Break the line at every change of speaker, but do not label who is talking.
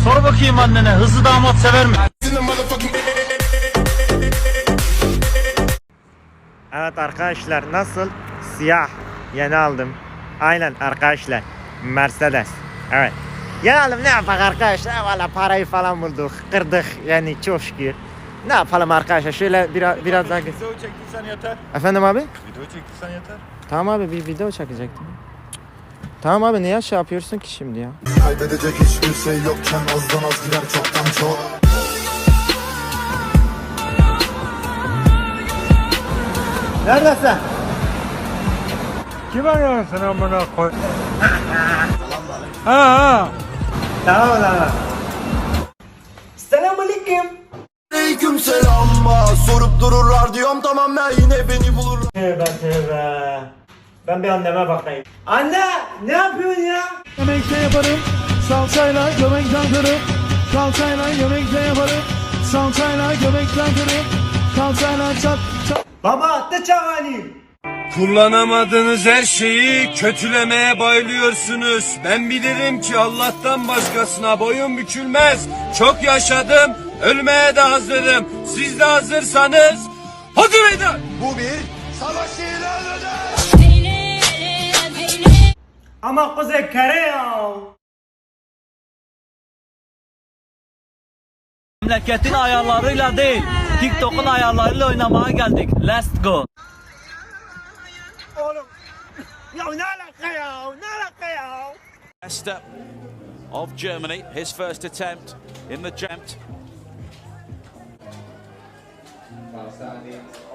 Sor bakayım annene, hızlı damat sever mi?
Evet arkadaşlar, nasıl? Siyah yeni aldım. Aynen arkadaşlar, Mercedes. Evet. Yeni aldım, ne yapak arkadaşlar? Valla parayı falan bulduk, kırdık yani, çok şükür. Ne yapalım arkadaşlar, şöyle biraz daha...
Video çektiysen yeter.
Efendim abi?
Video çektiysen yeter.
Tamam abi, bir video çekecektim. Tamam abi, niye şey yapıyorsun ki şimdi ya?
Kaybedecek hiçbir şey yokken azdan az gider çoktan çok.
Neredesin?
Kim arıyorsun amına koy? Ha.
Tamam lan.
Aleyküm selam, sorup dururlar diyorum, tamam ben yine beni bulurlar.
Tövbe tövbe. Ben bir anneme bakayım. Anne, ne yapıyorsun ya?
Yemekte yaparım, salçayla göbekten kırıp. Salçayla yemekte yaparım, salçayla göbekten kırıp. Salçayla çat çat.
Baba attı çavani.
Kullanamadığınız her şeyi kötülemeye bayılıyorsunuz. Ben bilirim ki Allah'tan başkasına boyun bükülmez. Çok yaşadım, ölmeye de hazırım. Siz de hazırsanız hadi meydan.
Bu bir savaş ilanıdır.
Ama kuzey kere ya.
Memleketin ayarlarıyla değil, TikTok'un ayarlarıyla oynamaya geldik. Let's go.
Ya ne alaka ya? Ne alaka ya?
Leicester of Germany, his first attempt in the jump.